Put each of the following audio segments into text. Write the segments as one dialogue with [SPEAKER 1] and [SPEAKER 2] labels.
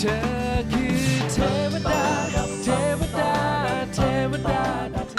[SPEAKER 1] เธอคือเทวดาเทวดาเทวดา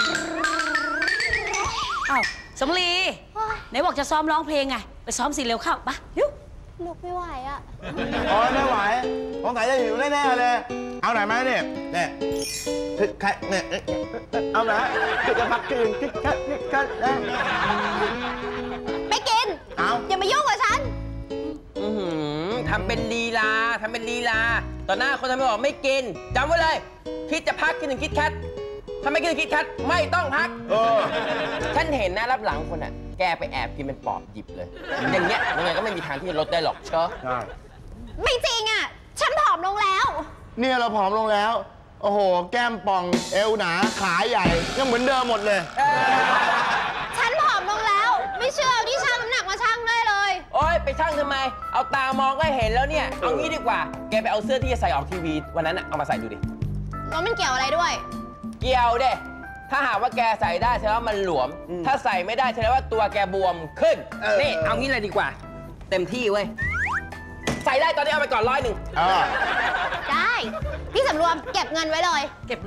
[SPEAKER 2] อ้าวสำลีไหนบอกจะซ้อมร้องเพลงไงไปซ้อมสิเร็วเข้าปะเร็ว
[SPEAKER 3] ลุกไม่ไหวอ่ะ
[SPEAKER 4] อ๋อไม่ไหวสงสัยจะหิวแน่ๆเลย เอาไหนมาเนี่ยเนี่ยใครเนี่ยเอาไหนจะพักคืนคิดคัดนะ
[SPEAKER 3] ไม่กิน
[SPEAKER 4] เอา
[SPEAKER 3] อย่ามายุ่งกับฉัน
[SPEAKER 5] ทำเป็นลีลาต่อหน้าคนทำไมบอกไม่กินจำไว้เลย คิดจะพักคิดถึงคิดแคทถ้าไม่คิดถึงคิดแคทไม่ต้องพักฉันเห็นนะรับหลังคนอ่ะแกไปแอบกินเป็นปอบหยิบเลย อย่างเงี้ยยังไงก็ไม่มีทางที่จะลดได้หรอกเชอะ
[SPEAKER 4] ใช่
[SPEAKER 3] ไม่จริงอ่ะ ฉันผอมลงแล้ว
[SPEAKER 4] เนี่ยเราผอมลงแล้ว โอ้โห แก้มป่องเอวหนาขาใหญ่ยังเหมือนเดิมหมดเลย
[SPEAKER 3] ฉันผอมลงแล้ว ไม่เชื่อเอาที่ชั่งน้ำหนักมาชั่งได้เลย
[SPEAKER 5] โอ๊ยไปช่างทำไม เอาตามองก็เห็นแล้วเนี่ยเอางี้ดีกว่าแกไปเอาเสื้อที่จะใส่ออกทีวีวันนั้นเอามาใส่ดูดิ
[SPEAKER 3] แล้วมันเกี่ยวอะไรด้วย
[SPEAKER 5] เกี่ยวเด้ถ้าหากว่าแกใส่ได้แสดงว่ามันหลวม ถ้าใส่ไม่ได้แสดงว่าตัวแกบวมขึ้น นี่เอางี้เลยดีกว่า เต็มที่เว้ย ใส่ได้ตอนนี้เอาไปก่อน100
[SPEAKER 3] ได้ พี่สำรวมเก็บเงินไว้เลย
[SPEAKER 2] เก็บเลย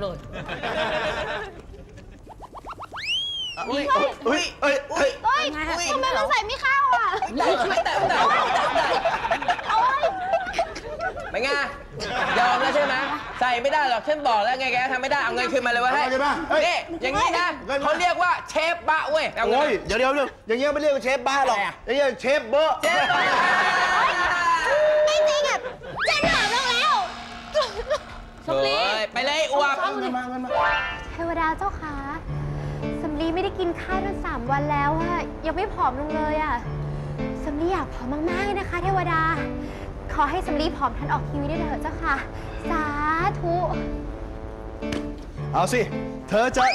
[SPEAKER 4] อุ้ยอุ้ยเอ้ยเอ้ย
[SPEAKER 3] เฮ้ยทำไมมันใส่ไม่เข้าอ่ะ
[SPEAKER 5] ไม่แต่
[SPEAKER 3] โอ๊ย
[SPEAKER 5] ไม่ไงยอมแล้วใช่ไหมใส่ไม่ได้หรอกฉันบอกแล้วไงแกทำไม่ได้เอาเงินคืนมาเลยเว้ย
[SPEAKER 4] เอาเงินมาเฮ้ย
[SPEAKER 5] นี่อย่างนี้นะเขาเรียกว่าเชฟบะเว้ยเอาเงิน
[SPEAKER 4] โอ้
[SPEAKER 5] มาย
[SPEAKER 4] เดี๋ยวอย่างเงี้ยไม่เรียกว่าเชฟบ้าหรอก
[SPEAKER 5] อะไรอะ
[SPEAKER 4] อย่างเงี้ยเชฟเบอร์
[SPEAKER 5] เชฟบะ
[SPEAKER 3] ไม่จริงอ่ะ ฉันผอมลงแล้ว
[SPEAKER 2] สำลี
[SPEAKER 5] เฮ้ยไปเลยอวบ
[SPEAKER 3] เทวดาเจ้าขาสำลีไม่ได้กินข้าวตั้ง3 วันแล้วอะยังไม่ผอมลงเลยอะสำลีอยากผอมมากๆเลยนะคะ เทวดา ขอให้สำลีผอมทันออกทีวีได้เถอะเจ้าค่ะ สาธุ
[SPEAKER 4] เอาสิ เธอจะ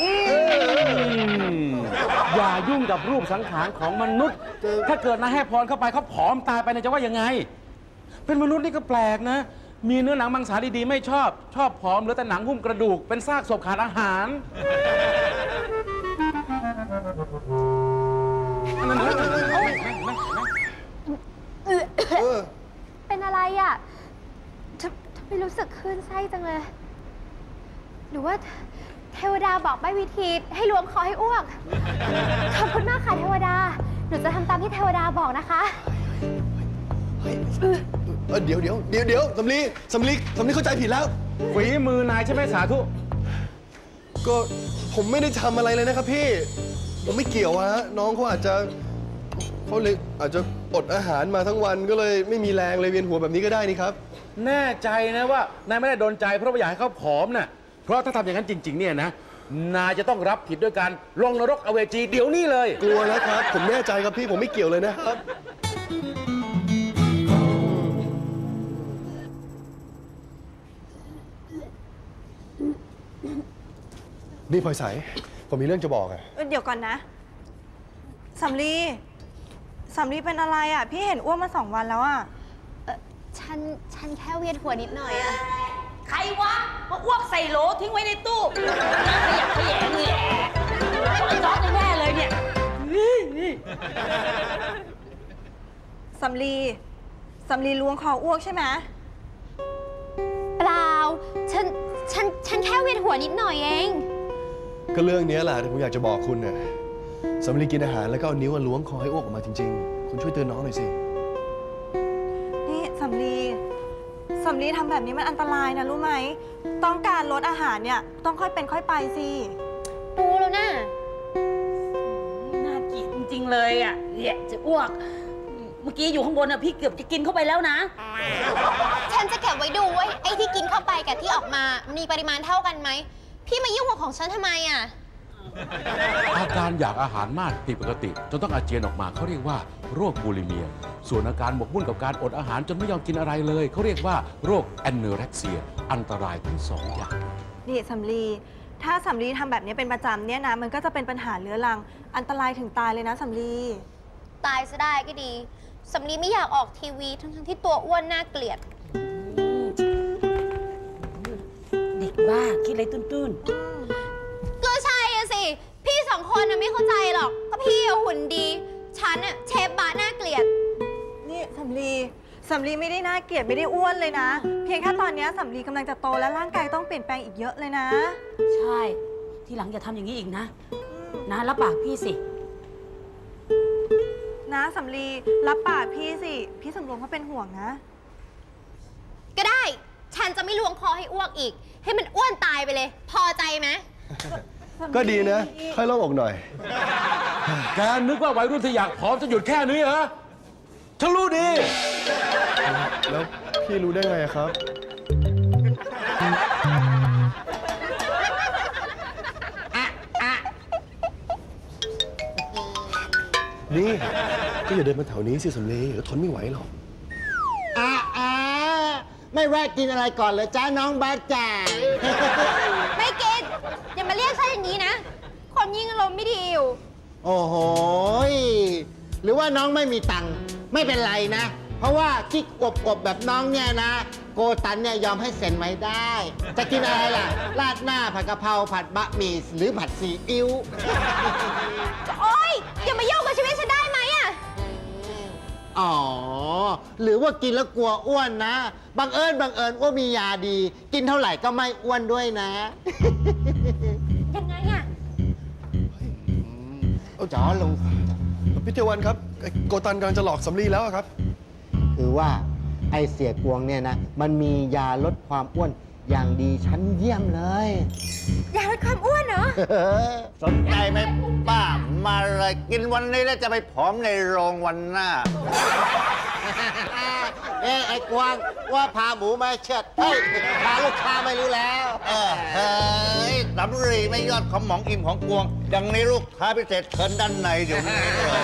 [SPEAKER 6] อย่ายุ่งกับรูปสังขารของมนุษย์ ถ้าเกิดนายให้พรเข้าไปเขาผอมตายไปนายจะว่ายังไง เป็นมนุษย์นี่ก็แปลกนะ มีเนื้อหนังมังสาดีๆไม่ชอบ ชอบผอมเหลือแต่หนังหุ้มกระดูก เป็นซากศพขาดอาหาร
[SPEAKER 3] เป็นอะไรอะทำไมรู้สึกคลื่นไส้จังเลย หรือว่าเทวดาบอกใบ้วิธีให้ล้วงคอให้อ้วก ขอบคุณมากค่ะเทวดา หนูจะทำตามที่เทวดาบอกนะคะ
[SPEAKER 7] เดี๋ยวสำลีเข้าใจผิดแล้ว
[SPEAKER 6] ฝีมือนายใช่ไหมสาธุ
[SPEAKER 7] ก็ผมไม่ได้ทำอะไรเลยนะครับพี่ ผมไม่เกี่ยวฮะน้องเขาอาจจะอดอาหารมาทั้งวันก็เลยไม่มีแรงเลยเวียนหัวแบบนี้ก็ได้นี่ครับ
[SPEAKER 6] แน่ใจนะว่านายไม่ได้โดนใจเพราะว่าอยากให้เขาผอมน่ะ เพราะถ้าทำอย่างนั้นจริง ๆ เนี่ยนะ นายจะต้องรับผิดด้วยการลงนรกอเวจีเดี๋ยวนี้เลย
[SPEAKER 7] กลัวแล้วครับ ผมแน่ใจครับพี่ผมไม่เกี่ยวเลยนะครับ นี่พลอยใสผมมีเรื่องจะบอกอะ
[SPEAKER 8] เดี๋ยวก่อนนะสำลีเป็นอะไรอ่ะ พี่เห็นอ้วนมา2 วันแล้วอ่ะ
[SPEAKER 3] ฉันแค่เวียนหัวนิดหน่อยอะ
[SPEAKER 2] ใครวะมาอ้วกใส่โหลทิ้งไว้ในตู้ขยะแขยงเลยจ๊อกแน่เลยเนี่ย
[SPEAKER 8] สำลีล้วงคออ้วกใช่ไหม
[SPEAKER 3] เปล่า ฉันแค่เวียนหัวนิดหน่อยเอง
[SPEAKER 7] ก็เรื่องนี้แหละที่ผมอยากจะบอกคุณน่ะสำลีกินอาหารแล้วก็เอานิ้วล้วงคอให้อ้วกออกมาจริงๆ คุณช่วยเตือนน้องหน่อยสิ
[SPEAKER 8] นี่สำลีทำแบบนี้มันอันตรายนะรู้ไหม ต้องการลดอาหารเนี่ยต้องค่อยเป็นค่อยไปสิ
[SPEAKER 3] รู้แล้วนะ
[SPEAKER 2] น่ากินจริงๆเลยอ่ะเนี่ยจะอ้วก เมื่อกี้อยู่ข้างบนอ่ะพี่เกือบจะกินเข้าไปแล้วนะ
[SPEAKER 3] ฉันจะเก็บไว้ดูว่าไอ้ที่กินเข้าไปกับที่ออกมามีปริมาณเท่ากันไหม พี่มายุ่งกับของฉันทำไมอะ
[SPEAKER 6] อาการอยากอาหารมากผิดปกติจนต้องอาเจียนออกมาเขาเรียกว่าโรคบูลิเมีย ส่วนอาการหมกมุ่นกับการอดอาหารจนไม่ยอมกินอะไรเลยเขาเรียกว่าโรคแอนโนเร็กเซียอันตรายทั้งสองอย่าง
[SPEAKER 8] นี่สำลีถ้าสำลีทำแบบนี้เป็นประจำเนี่ยนะมันก็จะเป็นปัญหาเรื้อรังอันตรายถึงตายเลยนะสำลี
[SPEAKER 3] ตายซะได้ก็ดี สำลีไม่อยากออกทีวีทั้งที่ตัวอ้วนน่าเกลียด
[SPEAKER 2] เด็กบ้าคิดอะไรตื้น
[SPEAKER 3] ก็ใช่อะสิ พี่2 คนน่ะไม่เข้าใจหรอก ก็พี่อะหุ่นดี ฉันอะเชฟบะน่าเกลียด
[SPEAKER 8] นี่สำลีสำลีไม่ได้น่าเกลียดไม่ได้อ้วนเลยนะ เพียงแค่ตอนเนี้ยสำลีกำลังจะโตและร่างกายต้องเปลี่ยนแปลงอีกเยอะเลยนะ
[SPEAKER 2] ใช่ ทีหลังอย่าทำอย่างนี้อีกนะ นะรับปากพี่สิ
[SPEAKER 8] นะสำลีรับปากพี่สิ พี่สำรวมเขาเป็นห่วงนะ
[SPEAKER 3] ก็ได้ ฉันจะไม่ล้วงคอให้อ้วกอีก ให้มันอ้วนตายไปเลย พอใจไหม
[SPEAKER 7] ก็ดีนะ ค่อยโล่งอกหน่อย
[SPEAKER 6] แกนึกว่าวัยรุ่นที่อยากผอมจะหยุดแค่นี้เหรอ ฉันรู้ดี
[SPEAKER 7] แล้วพี่รู้ได้ไงอะครับ นี่ ก็อย่าเดินมาแถวนี้สิสำลีเดี๋ยวทนไม่ไหวหรอก
[SPEAKER 9] ไม่แวะกินอะไรก่อนเลยจ้าน้องบาจ่า
[SPEAKER 3] ไม่กิน อย่ามาเรียกฉันอย่างนี้นะ คนยิ่งอารมณ์ไม่ดีอยู่
[SPEAKER 9] โอ้โหยหรือว่าน้องไม่มีตังค์ไม่เป็นไรนะ เพราะว่ากิ๊กอวบๆแบบน้องเนี่ยนะ โกตันเนี่ยยอมให้เซ็นไว้ได้ จะกินอะไรล่ะ ราดหน้าผัดกะเพราผัดบะหมี่หรือผัดซีอิ๊ว
[SPEAKER 3] โอ๊ย อย่ามายุ่งกับชีวิตฉันได้ไหมอะ
[SPEAKER 9] อ๋อ หรือว่ากินแล้วกลัวอ้วนนะ บังเอิญว่ามียาดี กินเท่าไหร่ก็ไม่อ้วนด้วยนะ
[SPEAKER 3] ยังไงอะ
[SPEAKER 9] จ๋อลง
[SPEAKER 7] พี่เทวันครับไอ้โกตันกำลังจะหลอกสำลีแล้วอะครับ
[SPEAKER 9] คือว่าไอเสียกวงเนี่ยนะ มันมียาลดความอ้วนอย่างดีชั้นเยี่ยมเลย
[SPEAKER 3] อยากลดความอ้วนเหรอ
[SPEAKER 4] สนใจไหมป้า มาเลยกินวันนี้แล้วจะไปผอมในโรงวันหน้า
[SPEAKER 9] ไอ้กวางว่าพาหมูมาเชิดเฮ้ยพาลูกค้าไม่รู้แล้ว
[SPEAKER 4] เฮ้ยสำรีไม่ยอดของหมองอิ่มของกวง อย่างนี้ลูกค้าพิเศษเชิญด้านในเดี๋ยวนี้เลย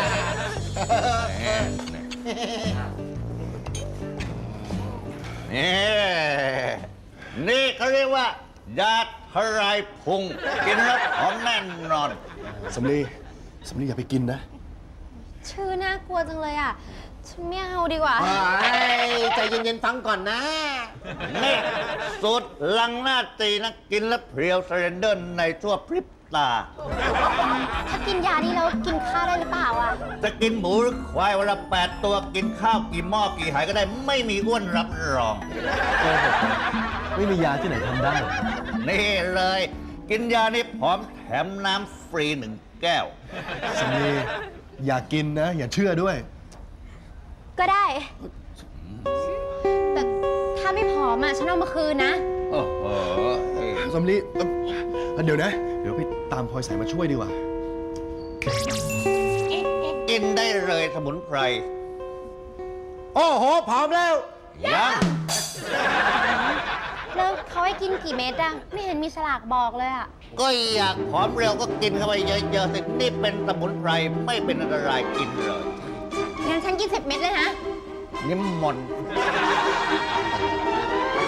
[SPEAKER 4] นี่เขาเรียกว่ายาทลายพุง กินแล้วผอมแน่นอน
[SPEAKER 7] สำลีอย่าไปกินนะ
[SPEAKER 3] ชื่อน่ากลัวจังเลยอะฉันไม่เอาดีกว่า
[SPEAKER 9] ใจเย็นๆฟังก่อนนะ
[SPEAKER 4] นี่สูตรลังหน้าตีนะ กินแล้วเพรียวเซเรนเดอร์ในทั่วพริบตา
[SPEAKER 3] ถ้ากินยานี้แล้วกินข้าวได้หรือเปล่าอะ
[SPEAKER 4] จะกินหมูหรือควายวันละ8 ตัวกินข้าวกี่หม้อกี่หายก็ได้ไม่มีอ้วนรับรอง
[SPEAKER 7] ไม่มียาที่ไหนทำได้
[SPEAKER 4] นี่เลย กินยานี้ผอมแถมน้ำฟรี1 แก้ว
[SPEAKER 7] สำลีอย่ากินนะ อย่าเชื่อด้วย
[SPEAKER 3] ก็ได้ แต่ถ้าไม่ผอมอะฉันเอามาคืนนะ
[SPEAKER 4] โอ้โห
[SPEAKER 7] สำลีเดี๋ยวนะ เดี๋ยวไปตามพลอยสายมาช่วยดีกว่า
[SPEAKER 4] กินได้เลยสมุนไพร
[SPEAKER 9] โอ้โหผอมแล้ว
[SPEAKER 4] ยัง
[SPEAKER 3] แล้วเขาให้กินกี่เม็ดอะไม่เห็นมีฉลากบอกเลยอะ
[SPEAKER 4] ก็อยากผอมเร็วก็กินเข้าไปเยอะๆสินี่เป็นสมุนไพรไม่เป็นอันตรายกินเลย
[SPEAKER 3] งั้นฉันกิน10 เม็ดเลยนะ
[SPEAKER 4] นิมมนต์